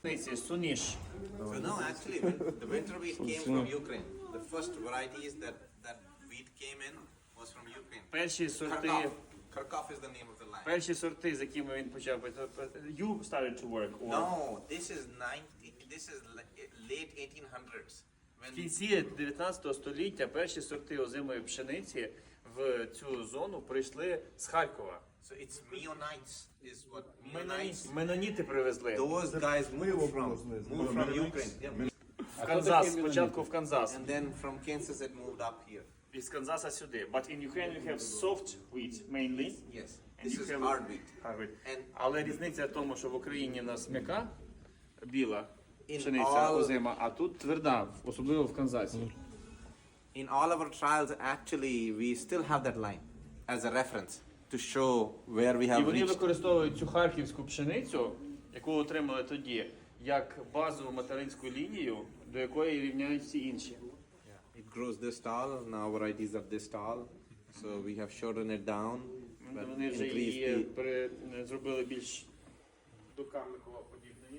Суниш. So no, actually, the winter wheat came from Ukraine. The first varieties that wheat came in was from Ukraine. Перші сорти, Kharkov is the name of the line. перші сорти, з якими він почав. You started to work. Or... No, this is late 1800s. В кінці 19 століття перші сорти озимої пшениці в цю зону прийшли з Харкова. So it's Meonites is what Meonites. Меноніти привезли. Those guys moved from Ukraine. Yeah. В Канзас, спочатку в Канзас. And then from Kansas it moved up here. Із Канзаса сюди. But in Ukraine you have soft wheat mainly. Yes. And This you is have hard wheat. hard wheat. And Але різниця в тому, що в Україні у нас м'яка, біла In пшениця all- озима, а тут тверда, особливо в Канзасі. in all our trials, actually, we still have that line as a reference to show where we І have вони reached. використовують цю харківську пшеницю, яку отримали тоді, як базову материнську лінію, до якої рівняють всі інші. It grows this tall. Now varieties of this tall. So we have shortened it down. But Вони вже increased її the, зробили більш до карликова подібної.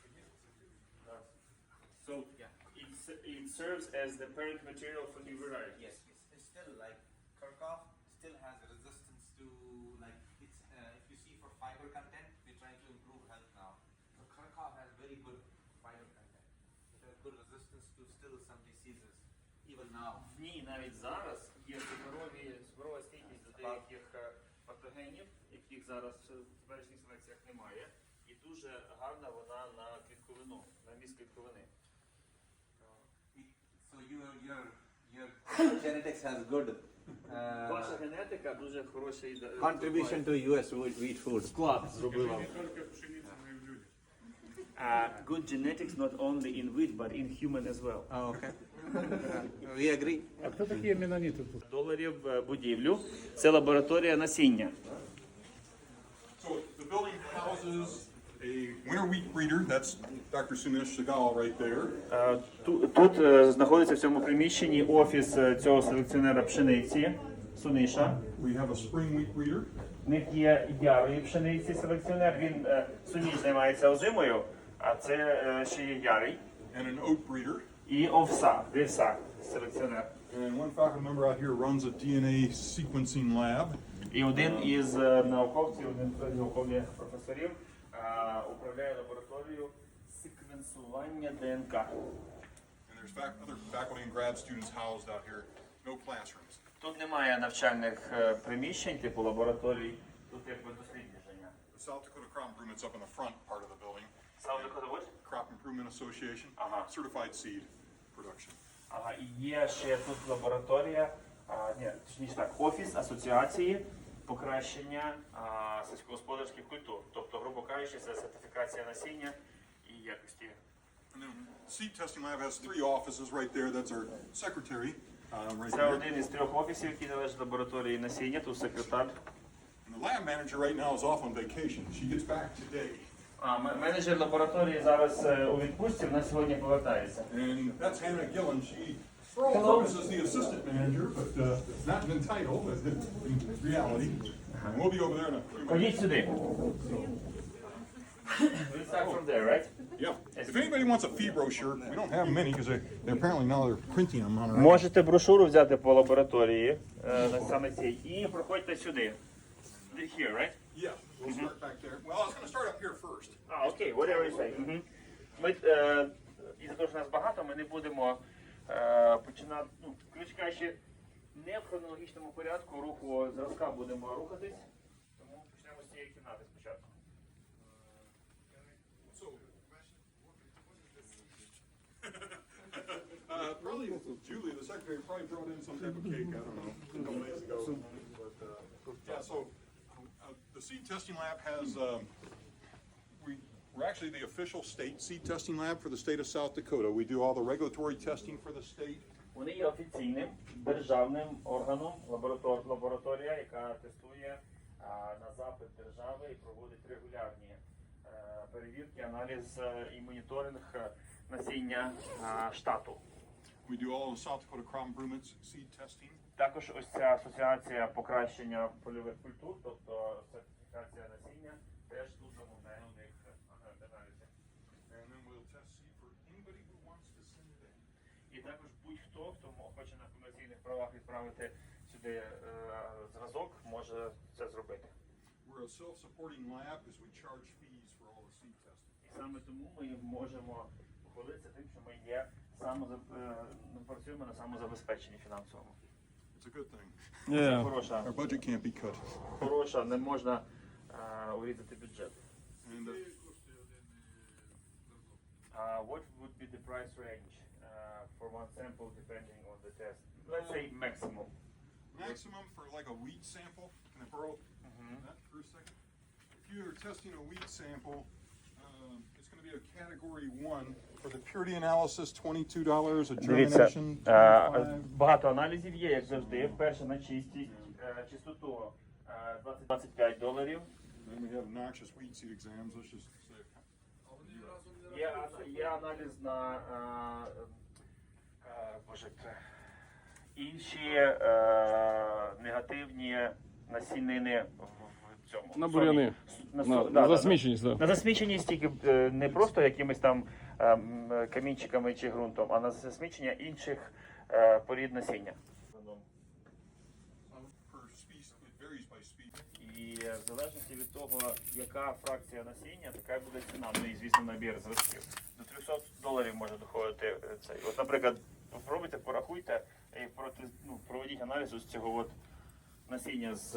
So it serves as the parent material for new variety. yes, it's still like Kharkov still has resistance to like it's if you see for fiber content, we're trying to improve health now. So Kharkov has very good fiber content. It has good resistance to still some diseases even now. В ній навіть зараз є суперова стійкість до деяких патогенів, яких зараз в теперішніх селекціях немає. І дуже гарна вона на клітковину, на міст клітковини. So your genetics has good Ваша генетика дуже хороший contribution to U.S. wheat food. вклад зробила. Good genetics not only in wheat, but in human as well. Oh, okay. We agree. А хто такі меноніти тут? Доларів будівлю. Це лабораторія насіння. So the building houses a winter wheat breeder. That's Dr. Sunesh Segal right there. Тут знаходиться в цьому приміщенні офіс цього селекціонера пшениці, Суниша. We have a spring wheat breeder. В них є ярої пшениці селекціонер. Він Суніш займається озимою, а це ще є ярий. And an oat breeder. І вівса селекціонер. And one faculty member out here runs a DNA sequencing lab. І один із науковців, один з наукових професорів управляє лабораторією секвенсування ДНК. And there's other faculty and grad students housed out here. No classrooms. Тут немає навчальних приміщень, типу лабораторій, тут якби дослідження. The South Dakota Crop Improvement's up in the front part of the building. South Dakota what? Crop Improvement Association. Certified seed production. Ага, і є ще тут лабораторія, точніше так, офіс асоціації покращення сільськогосподарських культур. Тобто, грубо кажучи, це сертифікація насіння і якості. And then seed testing lab has 3 offices right there. That's our secretary right Це there. один із 3 офісів, який належить лабораторії насіння, тут секретар. And the lab manager right now is off on vacation. She gets back today. Менеджер лабораторії зараз у відпустці, вона сьогодні повертається. And that's Hannah Gillen. She, for all purposes, the assistant manager, but not in title, but in reality. And we'll be over there in a few minutes. Ходіть сюди. We'll start from there, right? Yeah. If anybody wants a fee brochure, we don't have many because they apparently now they're printing them on our. Можете брошуру взяти по лабораторії, саме цій, і проходьте сюди. Here, right? Yeah, we'll start back there. Well, I was going to start up here first. Окей, whatever you say. Ми, із-за того, що нас багато, ми не будемо починати, коротше кажучи, не в хронологічному порядку руху зразка будемо рухатись, тому почнемо з цієї кімнати спочатку. So, really, Julie, the secretary, probably brought in some type of cake. I don't know, a couple days ago. But yeah, so the seed testing lab has. We're actually the official state seed testing lab for the state of South Dakota. We do all the regulatory testing for the state. Вони є офіційним державним органом, лабораторія, яка тестує на запит держави і проводить регулярні перевірки, аналіз і моніторинг насіння штату. We do all the South Dakota Crop Improvement seed testing. Також ось ця асоціація покращення польових культур, тобто сертифікація насіння, теж тут замовляє у них аналізи. And then також будь-хто, хто хоче на комерційних правах відправити сюди зразок, може це зробити. We're a self-supporting lab because we charge fees for all the seed testing. І саме тому ми можемо похвалитися тим, що ми працюємо на самозабезпеченні фінансовому. It's a good thing. Це хороша, Our budget can't be cut. хороша, не можна урізати бюджет. And What would be the price range for one sample depending on the test? Let's say maximum. maximum for like a wheat sample, can I borrow that for a second? If you're testing a wheat sample, it's going to be a category 1 for the purity analysis, $22, a Дивіться, germination, 25. багато аналізів є, як завжди. Перше на чистість, чистоту $25. Then we have noxious wheat seed exams. Let's just say. Є аналіз на інші негативні насінини в цьому. На буряни. На засміченість, да. На засміченість тільки не просто якимись там камінчиками чи ґрунтом, а на засмічення інших порід насіння. Per species, it varies by species. І в залежності від того, яка фракція насіння, така й буде ціна. Ну і, звісно, набір зразків. До $300 може доходити цей. От, наприклад, попробуйте, порахуйте і проведіть аналіз з цього от насіння з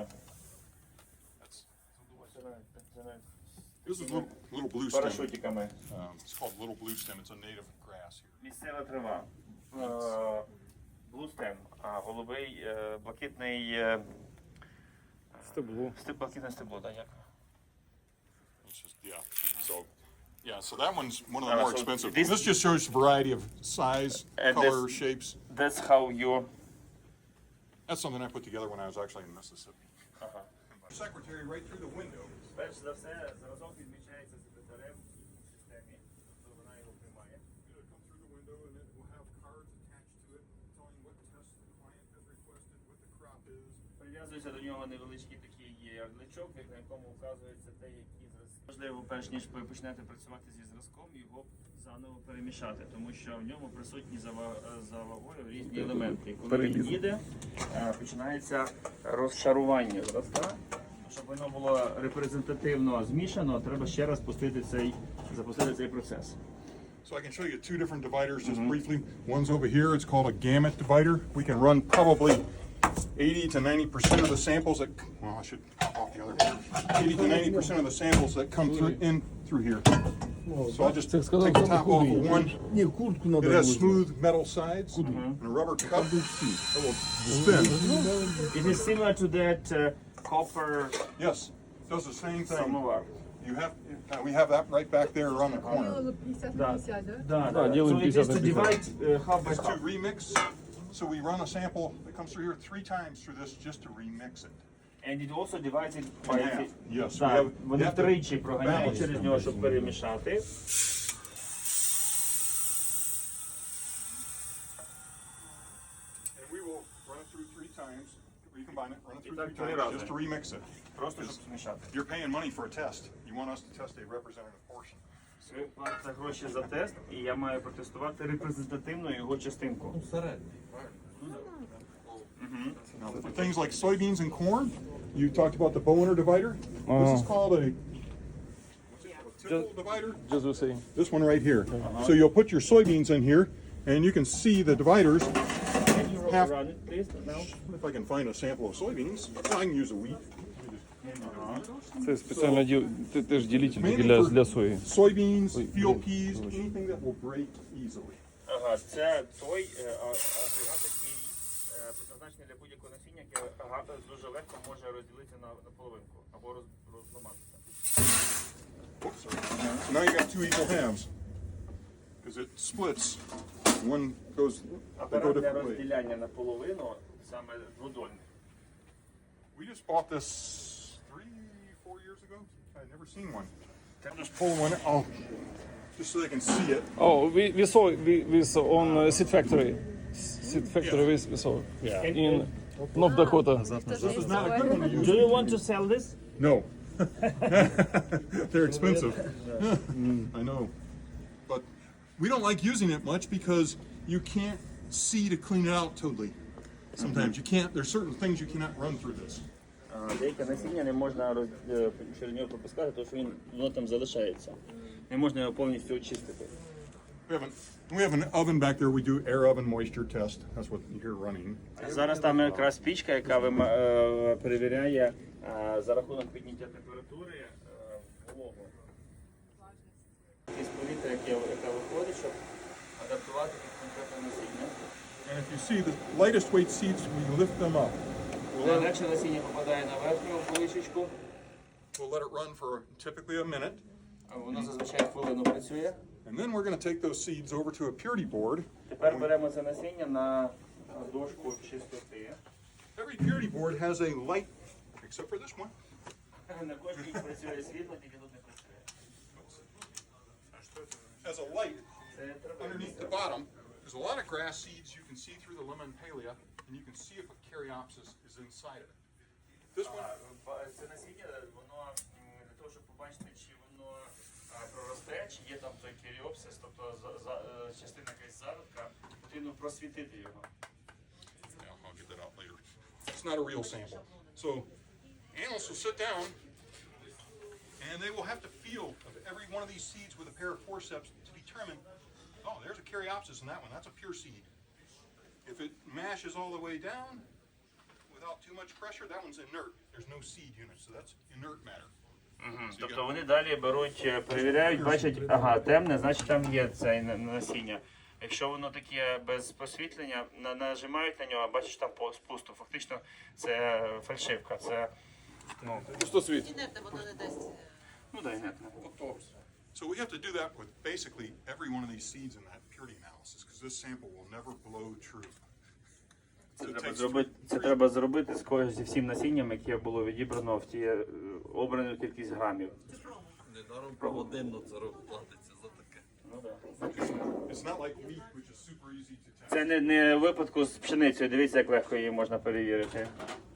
This is little blue stem. парашутиками. It's called little blue stem. It's a native grass here. Місцева трава. Блустем, а голубий, блакитний Стебло. блакитне стебло, так, як? It's just so that one's one of the Uh, more so expensive. this- This just shows variety of size, And color, this- shapes. That's how you... That's something I put together when I was actually in Mississippi. Ага. Secretary right through the window. Перш за все, зразок відмічається секретарем в системі, тобто вона його приймає. It'll come through the window and it will have cards attached to it telling what tests the client has requested, what the crop is. Прив'язується до нього невеличкий такий ярличок, на якому вказується те, які зразки. Важливо, перш ніж ви почнете працювати зі зразком, його заново перемішати, тому що в ньому присутні за вагою різні елементи. І коли він їде, починається розшарування зразка. Щоб воно було репрезентативно змішано, треба ще раз запустити цей процес. So I can show you two different dividers just briefly. One's over here. It's called a gamut divider. We can run probably 80 to 90% of the samples that, well, I should pop off the other. 80 to 90% of the samples that come through here. So I'll just take the top off of one. Ні, куртку It надо. has smooth metal sides and a rubber cup. It will spin. It is similar to that copper Yes, does the same thing. samovar. You have, we have that right back there around the corner. Делала 50-50, да? Да, делаем so it is to 50 на 50. divide half by It's to half. remix. So we run a sample that comes through here 3 times through this just to remix it. And it also divides it by... In half. Yes, we Так, have- вони we have to втричі проганяють balance через them. нього, щоб перемішати. And we will run it through 3 times, recombine it, run it through так 3 три times рази. just to remix it. Просто щоб змішати. You're paying money for a test. You want us to test a representative portion. Ви платите гроші за тест, і я маю протестувати репрезентативну його частинку. Now, for things like soybeans and corn, you talked about the Boehner divider. This is called a typical divider. Just the same. This one right here. So you'll put your soybeans in here, and you can see the dividers. Can you Half- run it, please, now? If I can find a sample of soybeans, I can use a wheat. Це спеціально теж ділитель Mainly для for сої. soybeans, field peas, anything that will break easily. Ага, це той агрегат, який призначений для будь-якого насіння, яке дуже легко може розділитися на половинку або розламатися. Oops, sorry. So now you got 2 equal halves. Because it splits. One goes, they go Апарат для different ways. розділяння на половину саме дводольний. We just bought this 3-4 years ago. I'd never seen one. I'll just pull one out, just so they can see it. Oh, we saw on Seed Factory. Seed Factory we saw. In North Dakota. This is not a good one to use. Do you want to sell this? No. They're expensive. I know. But we don't like using it much because you can't see to clean it out totally. Sometimes you can't. There's certain things you cannot run through this. Деяке насіння не можна через нього пропускати, тому що воно там залишається. Не можна його повністю очистити. We have an oven back there. We do air oven moisture test. That's what you hear running. Зараз там якраз пічка, яка перевіряє за рахунок підняття температури вологу. Із повітря, яка виходить, щоб адаптувати під конкретне насіння. And if you see the lightest weight seeds, we lift them up. Найлегше насіння попадає на верхню поличечку. We'll let it run for typically a minute. Воно зазвичай хвилину працює. And then we're going to take those seeds over to a purity board. Тепер беремо це насіння на дошку чистоти. Every purity board has a light, except for this one. На кожній працює світло, тільки тут не працює. Has a light Це underneath the bottom. There's a lot of grass seeds you can see through the lemon palea, and you can see if a caryopsis is inside of it. This one, Це насіння, воно для того, щоб побачити, чи воно проросте, чи є там той керіопсис, тобто частина якась зародка, потрібно просвітити його. yeah, I'll get that out later. It's not a real sample. So analysts will sit down, and they will have to feel of every one of these seeds with a pair of forceps to determine, oh, there's a caryopsis in that one. That's a pure seed. If it mashes all the way down without too much pressure, that one's inert. There's no seed unit, so that's inert matter. Тобто вони далі беруть, перевіряють, бачать, ага, темне, значить там є це насіння. Якщо воно таке без просвітлення, нажимають на нього, бачиш там спусту. Фактично це фальшивка, це, ну, Пустосвіт. Інертне воно не дасть. ну да, інертне. So we have to do that with basically every one of these seeds in that purity analysis, because this sample will never blow true. So it takes Це треба зробити зі всім насінням, яке було відібрано в ті обрану кількість грамів. Недаром погодинно це платиться за таке. Ну, да. It's not like wheat, which is super easy to test. Це не в випадку з пшеницею. Дивіться, як легко її можна перевірити.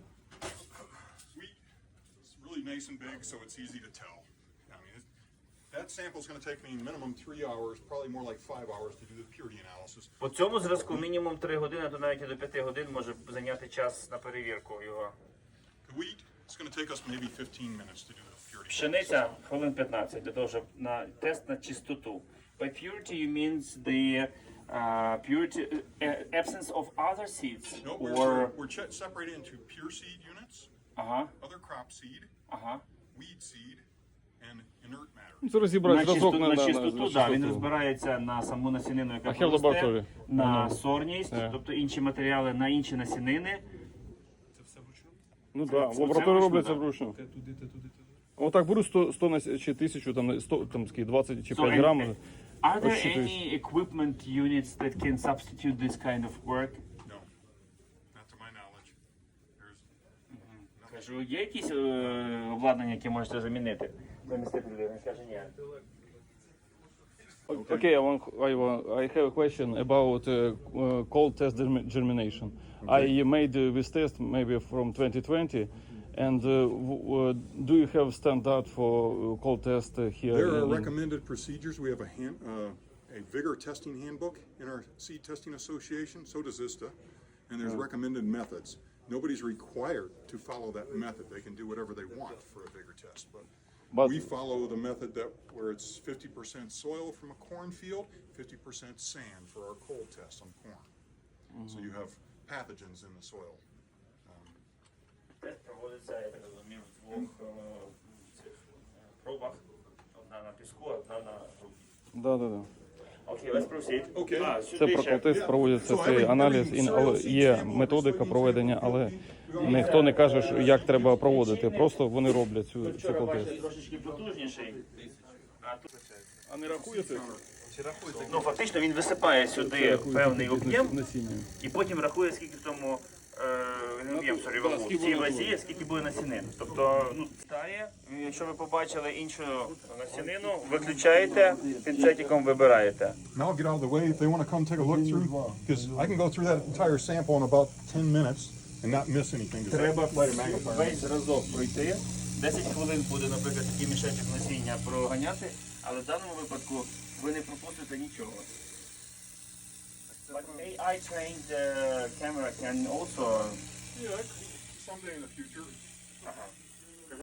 Wheat is really nice and big, so it's easy to tell. I mean, that sample is going to take me minimum 3 hours, probably more like 5 hours to do the purity analysis. По цьому зразку мінімум 3 години, а то навіть і до 5 годин може зайняти час на перевірку його. The wheat, it's going to take us maybe 15 minutes to do the purity. Пшениця хвилин 15 для того, щоб на тест на чистоту. By purity you means the purity absence of other seeds No, or we're separated into pure seed units, ага, other crop seed, ага. weed seed, and inert matter. Це розібрати зразок На чистоту, да, він розбирається на саму насінину, яка А ще в лабораторії? проросте, на сорність, тобто інші матеріали, на інші насінини. Ну так, в це лабораторії вручну, робляться да. вручну. Отак беру 100 чи 1000, там 100, там скільки, 20 чи 5 So, грамів. Are there Розчитуєш. any equipment units that can substitute this kind of work? No, not to my knowledge. There's Кажу, є якісь обладнання, які можете замінити? Замістити людину? Він каже, ні. Okay, I have a question about cold test germination. I made this test maybe from 2020, and do you have standard for cold test here? There are in- recommended procedures. We have a vigor testing handbook in our seed testing association. So does ISTA, and there's recommended methods. Nobody's required to follow that method. They can do whatever they want for a vigor test, but we follow the method that where it's 50% soil from a cornfield, 50% sand for our cold test on corn. So you have pathogens in the soil. Тест проводиться, я так розумію, в двох цих пробах. Одна на піску, одна на грунті. Да. Окей, let's proceed. Okay. Це про колтест проводиться цей аналіз, але є методика проведення, але ніхто не каже, що як треба проводити. Просто вони роблять цю Вчора бачили колтест. трошечки потужніший. А тут А не рахуєте? ну, фактично він висипає сюди певний об'єм насіння? і потім рахує, скільки в тому об'єм, вагу, в цій вазі, скільки буде насінин. Тобто, ну, стає, якщо ви побачили іншу насінину, виключаєте, пінцетиком вибираєте. Now I'll get out of the way if they want to come take a look through, because I can go through that entire sample in about 10 minutes and not miss anything. 'Cause Треба весь зразок пройти. 10 хвилин буде, наприклад, такий мішечок насіння проганяти, але в даному випадку ви не пропустите нічого. But AI trained camera can also. Yeah, that could be someday in the future. Uh-huh.